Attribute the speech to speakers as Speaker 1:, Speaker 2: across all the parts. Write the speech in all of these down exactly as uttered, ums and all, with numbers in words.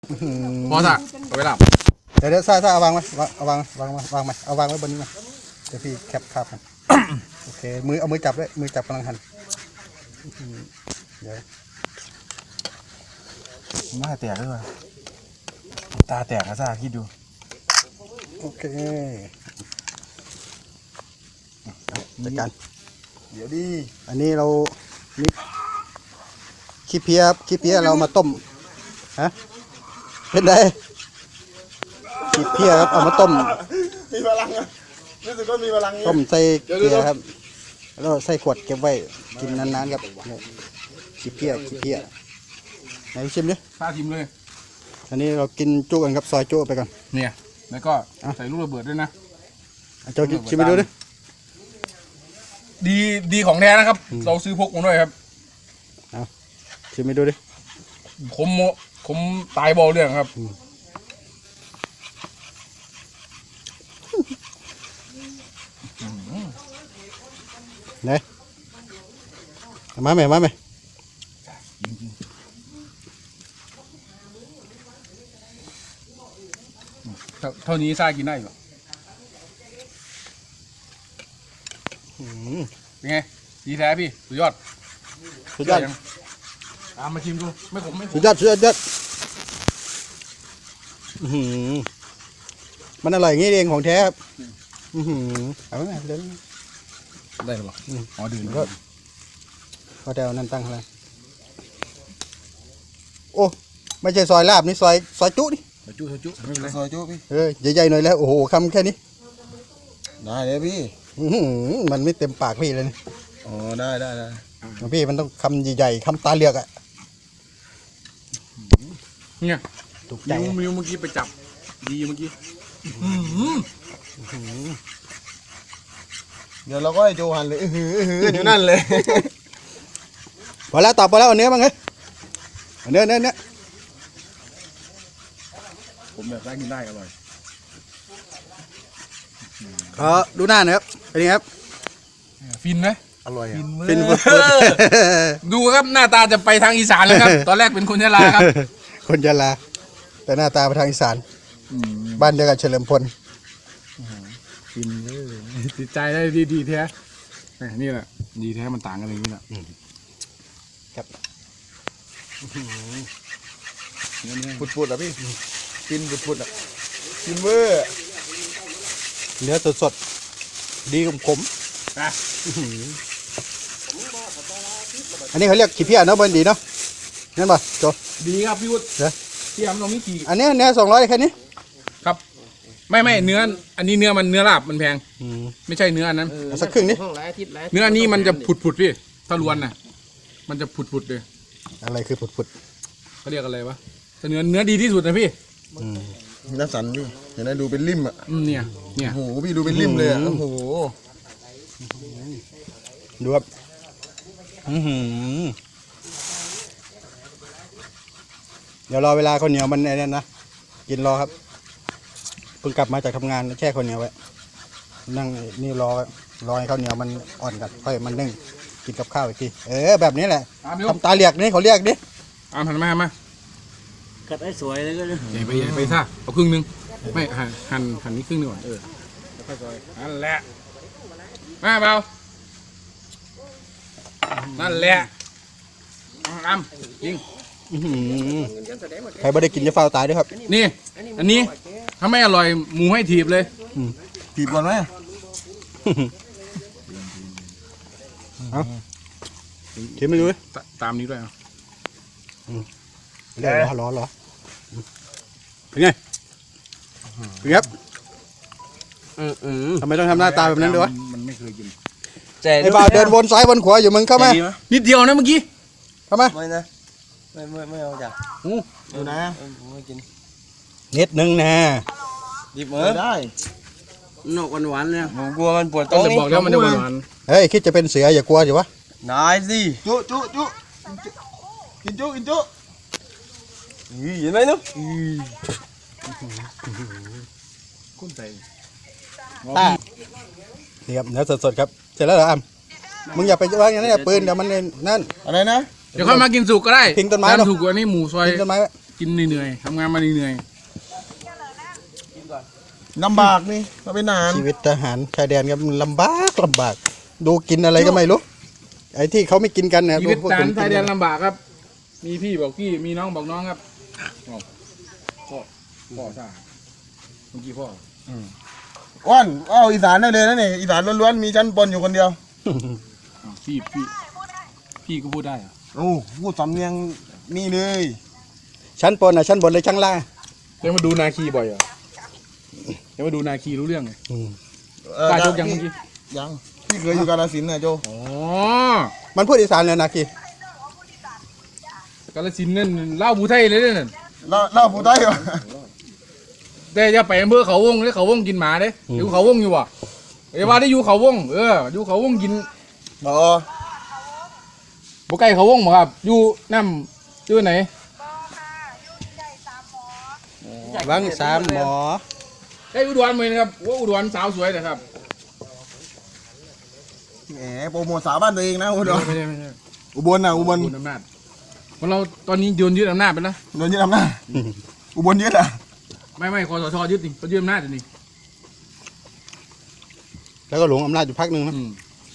Speaker 1: พอสักเอาไปหลับ
Speaker 2: เดี๋ยวเดี๋ยวซ่าซ่าเอาวางไว้เอาวางวางวางวางไว้เอาวางไว้บนนี้มาเดี๋ยวพี่แคปภาพกันโอเคมือเอามือจับด้วยมือจับกำลังหันเดี๋ยว
Speaker 3: หน้าแตกด้วยว่ะตาแตกนะซ่าคิดดู
Speaker 2: โอเคจัดการ
Speaker 3: เดี๋ยวดิ
Speaker 2: อันนี้เรานี่ขี้เพี้ยขี้เพี้ยเรามาต้มฮะเป็นไงขี้เพี้ยครับเอามาต้ม
Speaker 3: มีพลังอ่ะรู้สึกว่ามีพลัง
Speaker 2: ต้มใส่เกลือครับแล้วใส่ขวดเก็บไว้กินนานๆครับขี้เพี้ยขี้เพี้ยไหนชิมดิ
Speaker 1: ซ่าชิมเลย
Speaker 2: อันนี้เรากินจุกันครับซอยจุไปก่อน
Speaker 1: เนี่ยแล้วก็ใส่ลูกระเบิดด้วยนะ
Speaker 2: โจชิมไปดูดิ
Speaker 1: ดีดีของแท้นะครับเราซื้อพกมาด้วยครับ
Speaker 2: ชิมไปดูดิ
Speaker 1: ขมขมตายบอลเรื่องครับ
Speaker 2: ไหนมาไหมมาไหม
Speaker 1: เท่านี้ซ่ากินได้หรอเป็นไงดีแท้พี่สุดยอด
Speaker 2: สุดยอด
Speaker 1: ตามมาชิมดูไม่ขมไม่ขม
Speaker 2: สุดยอดสุดยอดมันอร่อยอย่างนี้เองของแท้ครับเอาไหมเดิน
Speaker 1: ได้หรออ๋อดื่ม
Speaker 2: ก็พอเดานั่นตั้งอะไรโอ้ไม่ใช่ซอยลาบนี่ซอยซอยจุนี่
Speaker 1: ซอยจุซอยจุไม่เป็นไร
Speaker 3: ซอยจุพี่
Speaker 2: เออใหญ่ๆหน่อยแล้วโอ้โหคำแค่นี้
Speaker 3: ได้เลยพี่
Speaker 2: มันไม่เต็มปากพี่เลยนี่
Speaker 3: อ๋อได้ได้ได้
Speaker 2: พี่มันต้องคำใหญ่ๆคำตาเลือกอ่ะ
Speaker 1: เนี่ย
Speaker 2: ถูกใจ
Speaker 1: มิวมิวเมื่อกี้ไปจับดีเมื่อกี้
Speaker 3: เดี๋ยวเราก็ให้โจหันเลยฮือฮืออยู่นั่นเลย
Speaker 2: พอแล้วตอบพอแล้วเอาเนื้อมั้งเฮ้ยเนื้อเนื้อเนื้อ
Speaker 1: ผมแบบได้กินได้อร่อย
Speaker 2: ขอดูหน้าหน่อยครับเป็นไงครับ
Speaker 1: ฟินไหม
Speaker 2: อร่อย
Speaker 1: ฟินฟุดดูครับหน้าตาจะไปทางอีสานเลยครับตอนแรกเป็นคนยะลาครับ
Speaker 2: คนยะลาแต่หน้าตาไปทางอีสานบ้านเดียวกับเฉลิมพล
Speaker 1: ฟินเลยติดใจได้ดีดีแท้นี่แหละดีแท้มันต่างกันอย่างนี้แหละ
Speaker 2: ครับ
Speaker 3: ปุดปุดอ่ะพี่กินปุดปุดอ่ะกินเวอร์
Speaker 2: เนื้อสดๆดีขมๆอันนี้เขาเรียกขี้เพี้ยเนาะบนดีเนาะนั่นป่ะโจ
Speaker 1: ดีครับพี่วุฒิพี่ยำตรงนี้กี่
Speaker 2: อันนี้เนื้อสองร้อยแค่นี้
Speaker 1: ครับไม่ไม่เนื้ออันนี้เนื้อมันเนื้อลาบมันแพงไม่ใช่เนื้ออันนั้น
Speaker 2: สักครึ่งนี้
Speaker 1: เนื้ออันนี้มันจะผุดผุดพี่ถ้าล้วนน่ะมันจะผุดผุดเลย
Speaker 2: อะไรคือผุดผุด
Speaker 1: เขาเรียกอะไรวะแต่เนื้อเนื้อดีที่สุดนะพี่
Speaker 3: น้ำสันพี่เห็นไหมดูเป็นริมอ่ะ
Speaker 1: เนี่ยเนี่ย
Speaker 3: โอ้โหพี่ดูเป็นริมเลยอ่ะโอ้โห
Speaker 2: ดูครับเดี๋ยวรอเวลาข้าวเหนียวมันไอ้นั่นนะกินรอครับเพิ่งกลับมาจากทำงานแช่ข้าวเหนียวไว้นั่งนี่รอรอให้ข้าวเหนียวมันอ่อนกันค่อยมันนึ่งกินกับข้าวอีกทีเออแบบนี้แหละทำตาเรียกนี่เขาเรียกดิ
Speaker 1: อามหันมาหันมา
Speaker 4: กัดให้สวยเลยก็
Speaker 1: ใหญ่ไปใหญ่ไปซ่าเอาครึ่งนึงไม่หั่นหั่นหั่นนี้ครึ่งนึงก่อนเออแล้วค่อยซอยนั่นแหละมาเบานั่นแหละอ้ำยิง
Speaker 2: ใครไม่ได้กินจะเฝ้าตายด้วยครับ
Speaker 1: นี่อันนี้ถ้าไม่อร่อยหมูให้ถีบเลย
Speaker 3: ถีบก่อนไหม
Speaker 2: เอาถีบไม่ดูเลย
Speaker 1: ตามนี้ด้วยอ่ะ
Speaker 2: เดี๋ยวรอรอรอเป็นไงเป็นไงครับทำไมต้องทำหน้าตาแบบนั้นด้วยวะ
Speaker 1: มันไม่เคยกิน
Speaker 2: ไอ้บ่าวเดินวนซ้ายวนขวาอยู่มึงเข้ามา
Speaker 1: นิดเดียวนะเมื่อกี้
Speaker 2: เข้ามา
Speaker 3: ไม่นะไม่ไม่ไม่เอาจ้ะ
Speaker 2: อู้
Speaker 3: ดูนะไม่กิน
Speaker 2: นิดนึงนะ
Speaker 3: ดิบเหมือได้
Speaker 4: นกหวานๆเนี่ย
Speaker 3: ผมกลัวมันปวด
Speaker 1: ต้
Speaker 3: อง
Speaker 1: จะบอกแล้วมันจะหวาน
Speaker 2: เฮ้ยคิดจะเป็นเสืออย่ากลัวอยู่วะ
Speaker 3: นายสิจุจุจุกินจุกินจุเห็นไหมนุ๊ก
Speaker 1: กุ้งใจ
Speaker 2: นี่ครับเนื้อสดๆครับเสร็จแล้วเหรออ้ำมึงอย่าไปวางอย่างนั้นปืนเดี๋ยวมันนั่น
Speaker 3: อะไรนะ
Speaker 1: เดี๋ยวค่อยมากินสุกก็ได้
Speaker 2: พิงต้นไม้
Speaker 1: ถูกกว่านี่หมูซอย
Speaker 2: พิงต้นไม้
Speaker 1: กินเหนื่อยๆทำงานมาเหนื่อย
Speaker 3: ลำบากนี่มาเป็นทหาร
Speaker 2: ชีวิตทหารชายแดนครับมันลำบากลำบาก ดูกินอะไรก็ไม่รู้ไอ้ที่เขาไม่กินกันเนี่ย
Speaker 1: ชีวิต
Speaker 2: พวก
Speaker 1: ท
Speaker 2: ผ
Speaker 1: หาร
Speaker 2: ม
Speaker 1: ชายแด
Speaker 2: กิ
Speaker 1: นลำบากครับ มีพี่บอกพี่มีน้องบอกน้องครับอ้าวพ่อพ่อซ่าเมื่อกี้พ่อ
Speaker 3: อ้อนเอาอีสานได้เลยนะนี่อีสานล้วนๆมีชั้นปนอยู่คนเดียว
Speaker 1: อ้าวพี่พี่พี่ก็พูดได้เหรอะ
Speaker 3: โอ้พูดสำเนียงนี่เลย
Speaker 2: ชั้นบนอ่ะชั้นบนเลยชั้นล่าง
Speaker 1: ยังมาดูนาคีบ่อยเหรอยังมาดูนาคีรู้เรื่องไง
Speaker 2: อืม
Speaker 3: เอ่อ
Speaker 1: ป้าโจกยังเมื่อกี้
Speaker 3: ยังพี่เคยอยู่กาฬสินธุ์นะโจ
Speaker 1: อ๋อ
Speaker 2: มันพูดอีสานเลยนะคี
Speaker 1: กาลสินธุ์นั่นเล่าบูไทยเลยนั่น
Speaker 3: เล่าเล่าผู้ใต้เหรอ
Speaker 1: แต่จะไปอำเภอเขาวงเลยเขาวงกินหมาเด้อยู่เขาวงอยู่วะเอ้ยว่าได้อยู่เขาวงเอออยู่เขาวงกิน
Speaker 3: อ๋อ
Speaker 1: บ่ใกล้เขาวงบ่ครับอยู่น้ำอยู่ไหน
Speaker 2: วังสามหมอ
Speaker 1: ได้อุดรเลยนะครับว่าอุดรสาวสวยนะครับ
Speaker 3: แหมโปรโมทสาวบ้านตัวเองนะอุดร
Speaker 1: ไม่ใช่ไม่ใช่
Speaker 3: อุบลนะอุบล
Speaker 1: อุบลอำนาจคนเราตอนนี้โยนยึดอำนาจไปแล้ว
Speaker 3: โดนยึดอำนาจอุบลยึดอ่ะ
Speaker 1: ไม่ไม่คอสชยึดนี่เขายึดอำนาจอยู่นี่
Speaker 2: แล้วก็หลงอำนาจอยู่พักหนึ่งนะ
Speaker 1: อืม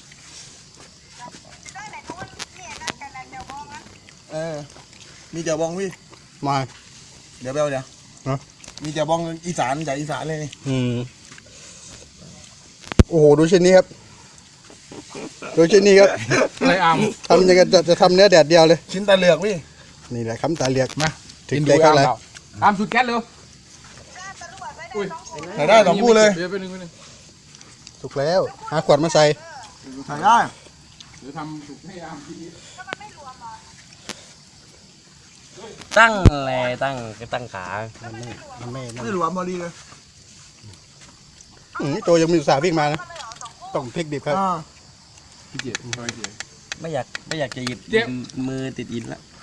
Speaker 3: เออมีเจ้าบองพี่
Speaker 2: มา
Speaker 3: เดี๋ยวเบลเดี๋ยว
Speaker 2: ฮะ
Speaker 3: มีเจ้าบองอีสานจากอีสานเลยนี่
Speaker 2: อืมโอ้โหดูชิ้นนี้ครับดูชิ้นนี้ครับ
Speaker 1: อะไรอาม
Speaker 2: ทำยังไงจะจะทำเนื้อแดดเดียวเลย
Speaker 3: ชิ้นตาเหลือกพี่
Speaker 2: นี่แหละคำตาเรียก
Speaker 1: มา
Speaker 2: ถึงใจเขาเลย
Speaker 1: อามสุดแก๊สเลยอุ้ย
Speaker 3: ใส่ได้สองคู่เลย
Speaker 1: เดี๋ยวไปหนึ่งไปหนึ่ง
Speaker 2: ถูกแล้วหาขวดมาใส่
Speaker 3: ใส่ได้
Speaker 1: เดี๋ยวทำสุกให้อามทีนี้
Speaker 4: ตั้งแลตั้งก็ตั้งขา
Speaker 2: มันไม่มันไม่นั่น
Speaker 3: ไม่หลวมพอดีเลย
Speaker 2: อืมโจยังมีอุตสาห์วิ่งมานะต้องพลิกดิบครับ
Speaker 3: อ่า
Speaker 1: พี่เจี๊ยบทำไมเจี๊ยบ
Speaker 4: ไม่อยากไม่อยากจะหยิบ
Speaker 1: เจ็บ
Speaker 4: มือติดอินละ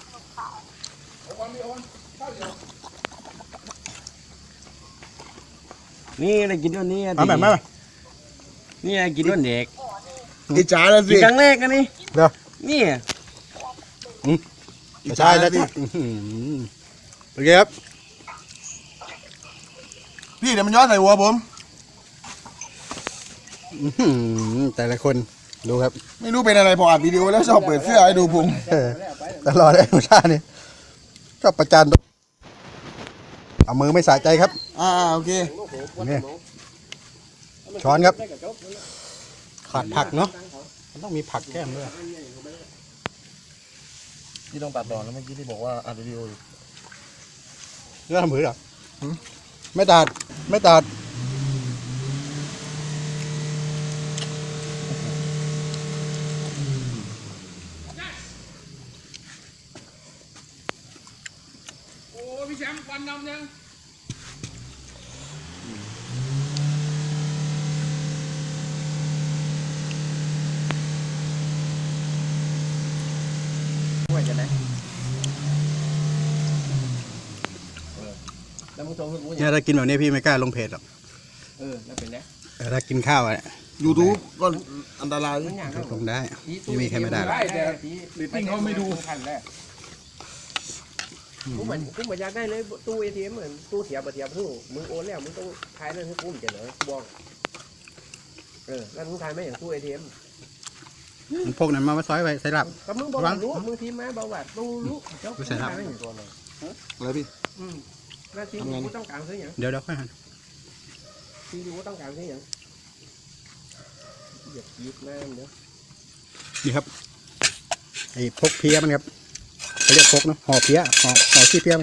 Speaker 4: นี่ได้กินวันนี้
Speaker 2: มาแบบมาแบบ
Speaker 4: นี่ได้กินวันเด็ก
Speaker 3: อิจฉาแล้ว
Speaker 4: กิ
Speaker 3: สิ
Speaker 4: นครั้งแรกกันนี่
Speaker 2: เดี๋ยว
Speaker 4: นี่
Speaker 3: อิจ
Speaker 2: ใช่
Speaker 3: ฉา
Speaker 2: แล้
Speaker 3: แล้ว ว
Speaker 2: ที่
Speaker 3: สิ
Speaker 2: อื้อหือโอเคครับ
Speaker 3: พี่เดี๋ยวมันย้อนใส่หัวผม
Speaker 2: อื้อหือแต่ละคนดูครับ
Speaker 3: ไม่รู้เป็นอะไรพออัดวิดีโอแล้วชอบเปิดเสื้อให้ดูพุง
Speaker 2: เออตลอดเลยหนูชานี่ชอบประจานตัวเอามือไม่สะใจครับ
Speaker 3: อ่าโอเค
Speaker 2: นี่ช้อนครับขาดผักเนาะมันต้องมีผักแก้มด้วย
Speaker 3: พี่ต้องตัดต่อแล้วเมื่อกี้ที่บอกว่าอัดวิดีโออยู่
Speaker 2: เรื่องทำผือเหรอไม่ตัดไม่ตัด
Speaker 1: โอ้พี่แชมป์ควันดำยัง
Speaker 2: เนี่ยถ้ากินแบบนี้พี่ไม่กล้าลงเพจหรอก
Speaker 4: เออแล้วเป็นไง
Speaker 2: แต่ถ้ากินข้าวอะ
Speaker 3: ยูทูบก็อันตราย
Speaker 2: ลงได้ไม่มีใครไม่ได้หรอก
Speaker 1: ได้แต่เรตติ้งเขาไม่ดูทันแรก
Speaker 5: กูเหมือนกูเหมือนอยากได้เลยตู้เอทีเอ็มเหมือนตู้เสียบเสียบหูมึงโอนแล้วมึงต้องทายนั่นให้กูมันจะเหลือกูบอกเออนั่นมึงทายไม่อย่างตู้เอทีเอ็ม
Speaker 2: มันพกนั้นมาไว้ซอยไว้ใส่หลับ
Speaker 5: ก็มึงบอกว่ารู้มึงทีมมาบอกว่าตู้รู้เจ้า
Speaker 2: ไม่ใช่ครับ
Speaker 5: ทายไม่อย่างตัวเลย
Speaker 3: อะไรพี่
Speaker 5: อืมหน้าที่กูต้องการซื้ออย่าง
Speaker 2: เดี๋ยวเดี๋ยวค่อยหัน
Speaker 5: ที่กูต้องการซื้ออย่างเหยียบยิบแม่งเดี๋ยว
Speaker 2: นี่ครับไอ้พกเพี้ยมันครับเขาเรียกพกเนาะห่อเพี้ยห่อห่อขี้เพี้ยมัน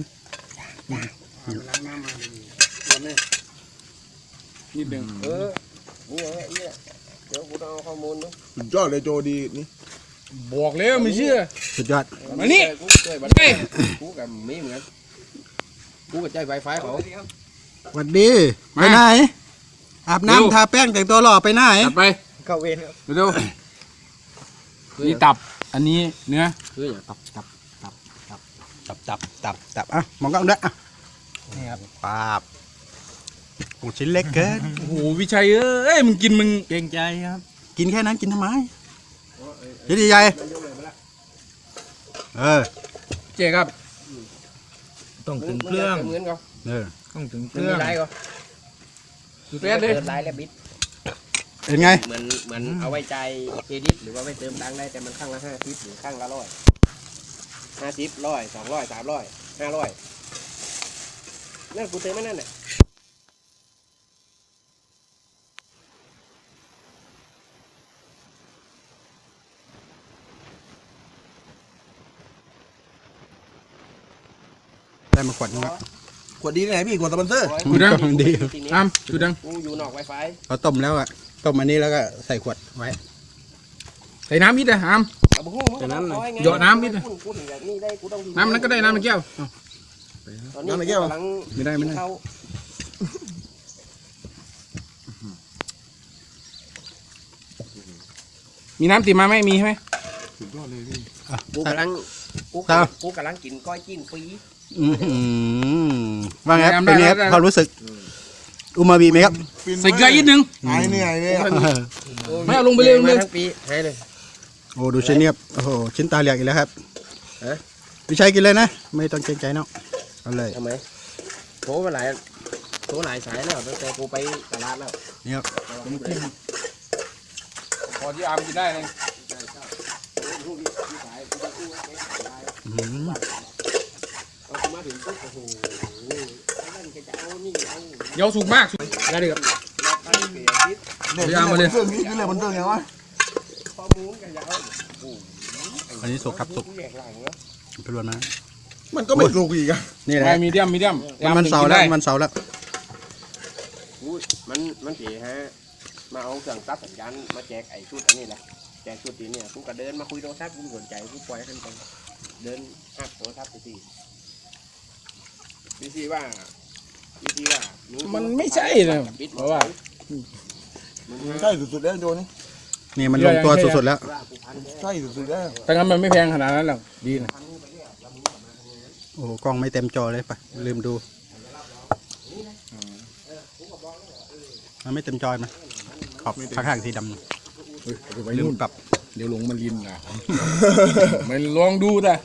Speaker 1: นิดหนึ่ง
Speaker 5: เออนี่ไงไอ้เนี่ยเดี๋ยวกูต้องเอาข้อมูลเนาะ
Speaker 3: สุดยอดเลยโจดีนี่
Speaker 1: บอกแล้วไม่เชื่อ
Speaker 2: สุดยอด
Speaker 1: มานี่
Speaker 5: กูเคยบัน
Speaker 1: เฮ้ย
Speaker 5: กูกับมีเหมือนกันกูกับใจไวไฟเขา
Speaker 2: สวัสดีไปไหนอาบน้ำทาแป้งแต่งตัวหล่อไปไหน
Speaker 1: จัดไป
Speaker 5: เข้าเวรครับ
Speaker 1: เร็วๆนี่ตับอันนี้เนื้อ
Speaker 5: คืออย่างตับตับ
Speaker 2: ตับตับตับตับอ่ะมองกล้องด้วยอ่ะนี่ครับปาบโอ้ชิ้นเล็กเกิน
Speaker 1: โอ้โหวิชัยเอ้ยมึงกินมึง
Speaker 4: เกรงใจครับ
Speaker 2: กินแค่นั้นกินทำไมเดี๋ยวใหญ่เออ
Speaker 1: เจ๊ครับต้องถึงเครื่อง
Speaker 5: เหมือนก็
Speaker 2: เออ
Speaker 1: ต้องถึงเค
Speaker 5: มัน
Speaker 1: รื่
Speaker 5: มี
Speaker 1: อง
Speaker 5: ลายก็
Speaker 1: สุดยอดเลย
Speaker 5: เดินลายและบิด
Speaker 2: เป็นไง
Speaker 5: เหมือนเหมือนเอาไว้ใจเครดิตหรือว่าไว้เติมตังค์ได้แต่มันข้างละห้าสิบหรือข้างละร้อยห้าสิบร้อยสองร้อยสามร้อยห้าร้อยนั่นกูเติมไม่นั่นแหละ
Speaker 2: ได้มาขวดนึงแล้ว
Speaker 3: ขวดดีไหนพี่ขวดสปอนเซอร์
Speaker 1: กูดัง
Speaker 2: ดี
Speaker 1: อ้ามกูดัง
Speaker 5: กูอยู่นอกไวไฟ
Speaker 2: เราต้มแล้วอะต้มอันนี้แล้วก็ใส่ขวดไว้
Speaker 1: ใส่น้ำนิดเลยอ้าม
Speaker 5: เอาบุ้งมึงก็ต้องคอยไง
Speaker 1: หยอดน้ำนิดหน่อย
Speaker 5: กูกูถึงแบบนี้ได้กูต้อง
Speaker 1: น้ำนั้นก็ได้น้ำในแก้วเอา
Speaker 5: ตอนนี้กูกำลัง
Speaker 1: ไม่ได้ไม่ได้
Speaker 5: เข้า
Speaker 1: มีน้ำติดมาไหมมีใช่ไหม
Speaker 2: อ่ะ
Speaker 5: กูกำลังกู
Speaker 2: ครับ
Speaker 5: กูกำลังกินก้อยจิ้นฟรี
Speaker 2: อื้อหือว่าไงครับเป็นไงครับความรู้สึกอูมามิไหมครับ
Speaker 1: ใส่เกลือนิดนึง
Speaker 3: หายเหนื่อยเลยอะ
Speaker 1: ไม่เอาลงไปเลยลง
Speaker 5: มา
Speaker 1: เลย
Speaker 5: ทั้งปีให้เลย
Speaker 2: โอ้ดูชิ้นเนี้ยโอ้โหชิ้นตาเหลียกอีกแล้วครับ
Speaker 5: ฮะ
Speaker 2: พี่ชัยกินเลยนะไม่ต้องเกรงใจเนาะเอาเลย
Speaker 5: ทำไมโทรมาหลายโทรหลายสายแล้วตั้งแต่กูไปตลาดแล้ว
Speaker 2: นี่ครับ
Speaker 1: พอที่อามกินได้เลย
Speaker 2: อื้อหือ
Speaker 5: เอากูมาถึงปุ๊บโอ้โหนั่นแกจะเอานี่เอา
Speaker 1: เดี๋ยวสุกมากสุกได้เลยครับ
Speaker 5: ไปเปลี่ยนทิศ
Speaker 3: เนี่ย
Speaker 1: พยายามมาเลย
Speaker 3: เครื่องนี้คืออะไรบนเครื่องไงวะ
Speaker 5: ข้อมูลกันจะเอา
Speaker 2: อันนี้สุกครับสุก
Speaker 5: แยกหลังเนาะ
Speaker 2: ไปรวนมา
Speaker 3: มันก็ไม่ถูกอีกอะ
Speaker 2: นี่แหละ
Speaker 1: ไม่มีเดียมมีเดียม
Speaker 2: มันมันเสาร์แล้วมันเสาร์แล้ว
Speaker 5: อุ้ยมันมันเสียฮะมาเอาเครื่องตัดสัญญาณมาแจกไอ้ชุดอันนี้แหละแจกชุดนี้เนี่ยกูก็เดินมาคุยโทรศัพท์กูสนใจกูปล่อยให้มันไปเดินอัดโทรศัพท์ไปสิพี่ซีว่าพี่ซีว่ามึง
Speaker 1: มันไม่ใช่นะเพราะว่า
Speaker 3: ใช่สุดๆแล้วโจนี่
Speaker 2: นี่มันลงตัวสุดๆแล้ว
Speaker 5: ว่ากูพันแน่
Speaker 3: ใช่สุดๆแล้ว
Speaker 1: แต่งั้นมันไม่แพงขนาดนั้นหรอกดีนะ
Speaker 2: โอ้โหกล้องไม่เต็มจอเลยปะลืมดูมันไม่เต็มจอนะขอบข้างๆสีดำ
Speaker 1: เฮ้ยเดี๋ยวไป
Speaker 2: ลืม
Speaker 1: นู่น
Speaker 2: ปรับ
Speaker 1: เดี๋ยวหลงมันลินนะ มันลองดูแต่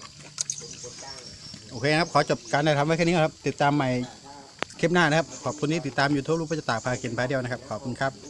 Speaker 2: โอเคนะครับ ขอจบการถ่ายทำไว้แค่นี้ก่อนครับ ติดตามใหม่คลิปหน้านะครับ ขอบคุณที่ติดตามยูทูบรูปประจตากพากินพาเดียวนะครับ ขอบคุณครับ